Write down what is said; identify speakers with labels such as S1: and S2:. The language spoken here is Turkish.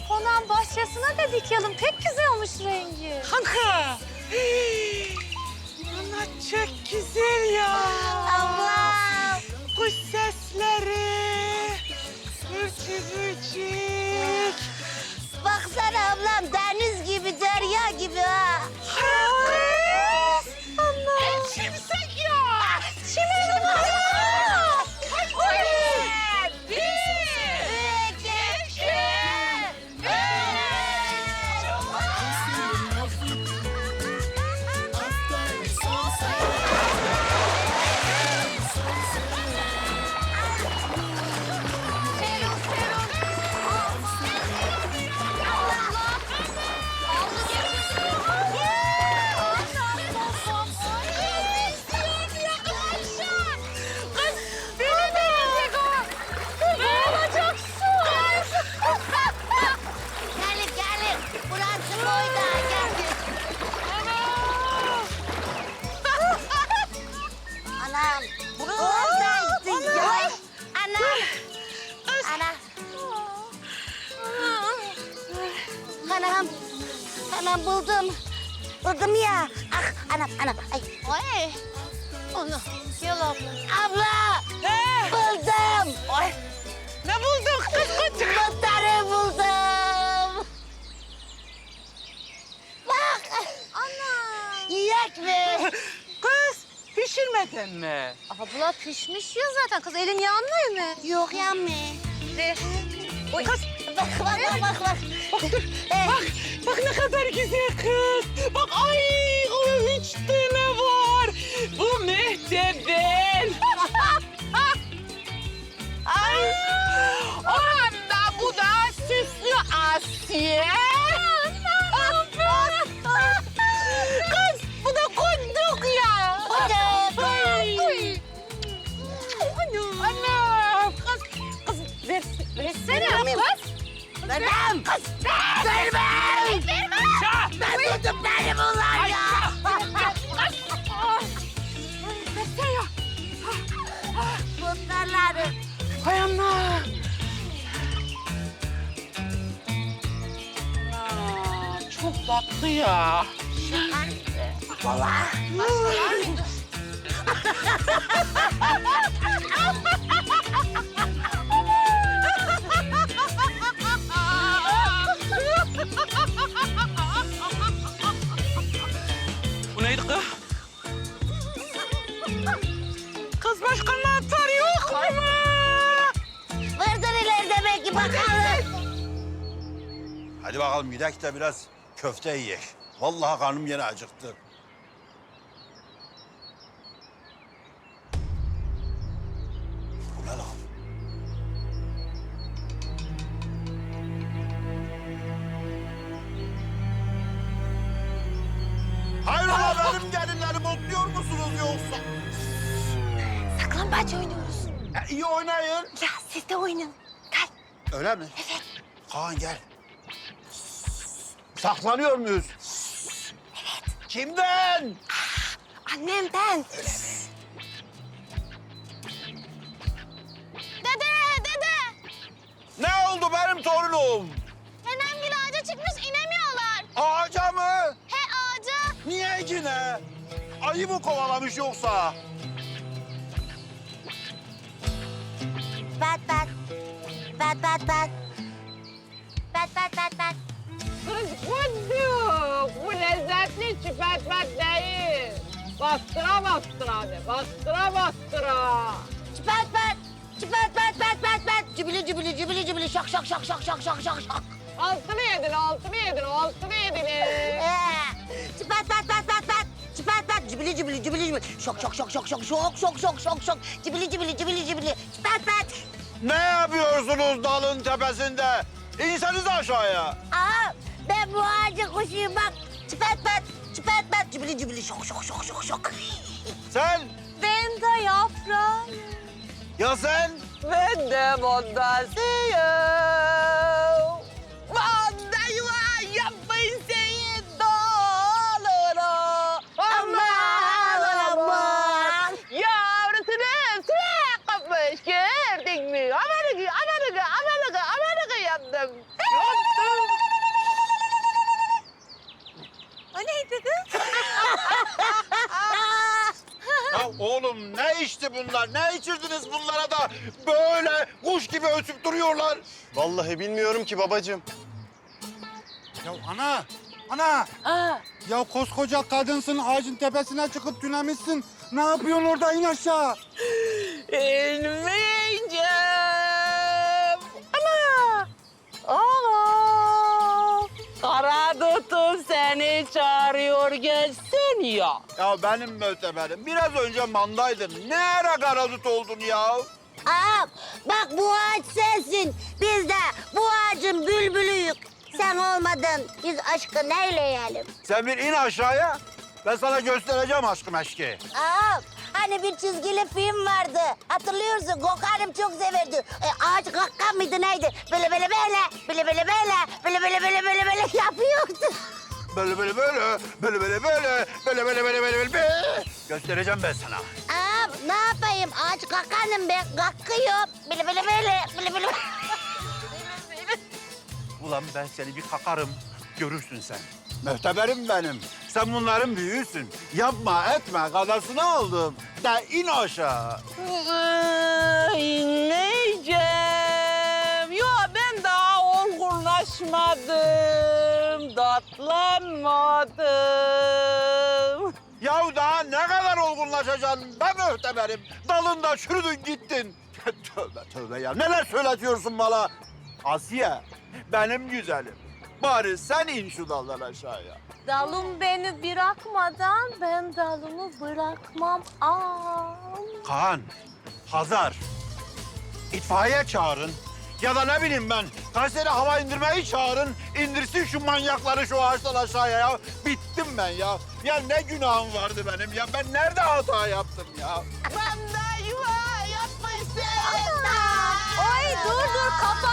S1: konağın bahçesine de dikelim. Pek güzel olmuş rengi.
S2: Kanka. Ana çok güzel ya.
S1: Ablam.
S2: Kuş sesleri. Ürçük.
S1: Baksana ablam deniz gibi, derya gibi ha.
S2: Kız. Allah. Şimşek ya.
S1: Çimenim ablam. Anam, buralardaydı ya. Anam. Anam. Anam buldum. Buldum ya. Ah, anam. Ay. Onu. Gel abla. Abla. Buldum.
S2: Ay. Ne buldun kız kız?
S1: Muhtarı buldum. Bak. Ana. Yiyek mi?
S2: Kız pişirmedin mi?
S1: Abla pişmiş ya zaten. Kız elin yanmıyor mu? Yok yanmıyor.
S2: Oy. Kız
S1: Bak.
S2: bak dur. Bak ne kadar güzel kız. Bak ay o 3 tane var. Bu mehteden. Ay. Anda bu da süslü Asiye. Kız bu da kunduk ya. Ay. Anam. Kız versene kız.
S1: Vermem. Kız. Vermem. Ben buldum beni bunlar ya. Muhtarları.
S2: Hay Allah. Çok tatlı ya.
S1: Vallahi.
S2: Bu neydi kız? Kız başka anahtar yok mu?
S1: Vardır ileride belki bakalım.
S3: Hadi bakalım gidelim de biraz köfte yiyek. Vallahi karnım yine acıktı. Bu ne lan? Hayrola benim gelinlerimi otluyor musunuz yoksa?
S1: Saklambaç oynuyoruz.
S3: İyi oynayın.
S1: Ya siz de oynayın. Gel.
S3: Öyle mi? Evet. Kaan gel. Saklanıyor muyuz? Evet. Kimden?
S1: Annemden. Dede.
S3: Ne oldu benim torunum?
S1: Nenemgil ağaca çıkmış inemiyorlar.
S3: Ağaca mı?
S1: He ağaca.
S3: Niye yine? Ayı mı kovalamış yoksa?
S1: Bat.
S2: Kız kunduk. Bu lezzetli çipetmek değil. Bastıra de. Bastıra.
S1: Çıpat. Cübili şak.
S2: Altını yedin.
S1: Çıpat. Cübili. Şok. Cübili. Çıpat.
S3: Ne yapıyorsunuz dalın tepesinde? İnseniz aşağıya.
S1: Aa, ben bu ağacın kuşuyum bak. Çıpat. Cübili şok.
S3: Sen?
S1: Ben de yaprağım.
S3: Ya sen?
S2: Ben de mondasıyım. Mondayım yapmayın senin doğalını.
S1: Aman.
S2: Yavrusunu suya kapmış gördün mü? Amanıgı yaptım. Yaptım.
S3: içti bunlar? Ne içirdiniz bunlara da böyle kuş gibi ötüp duruyorlar?
S4: Vallahi bilmiyorum ki babacığım.
S5: Ya ana.
S2: Aa,
S5: Ya koskoca kadınsın, ağacın tepesine çıkıp tünemişsin. Ne yapıyorsun orada? İn aşağı.
S2: inmeyeceğim. Ana! Aa! Kara tutun seni çağırıyor gelsin ya.
S3: Ya benim müteberim. Biraz önce mandaydın. Ne ara karadut oldun ya?
S1: Ağam bak bu ağaç sensin. Biz de bu ağacın bülbülüyük. Sen olmadın. Biz aşkı neyleyelim?
S3: Sen bir in aşağıya. Ben sana göstereceğim aşkım eşki.
S1: Ağam hani bir çizgili film vardı. Hatırlıyorsun Gökhan'ım çok severdi. Ağaç kakkan mıydı neydi? Böyle yapıyordu.
S3: Böyle. Göstereceğim ben sana.
S1: Ağam ne yapayım? Ağaç kakkanım ben. Kakkıyorum. Böyle.
S3: Ulan ben seni bir kakarım, görürsün sen. Mühteberim benim. Sen bunların büyüğüsün. Yapma etme, kadasını oldum. De in aşağı.
S2: İnmeyeceğim. Yo ben daha olgunlaşmadım. Datlanmadım.
S3: Yahu daha ne kadar olgunlaşacaksın be mühteberim? Dalında çürüdün gittin. Tövbe ya, neler söyletiyorsun bana? Asiye, benim güzelim. Bari sen in şu daldan aşağıya.
S6: Dalım beni bırakmadan ben dalımı bırakmam.
S3: Kaan, Hazar, itfaiye çağırın. Ya da ne bileyim ben, Kayseri hava indirmeyi çağırın. İndirsin şu manyakları şu ağaçtan aşağıya ya. Bittim ben ya. Ya ne günahım vardı benim ya. Ben nerede hata yaptım ya?
S6: Ay dur kapat.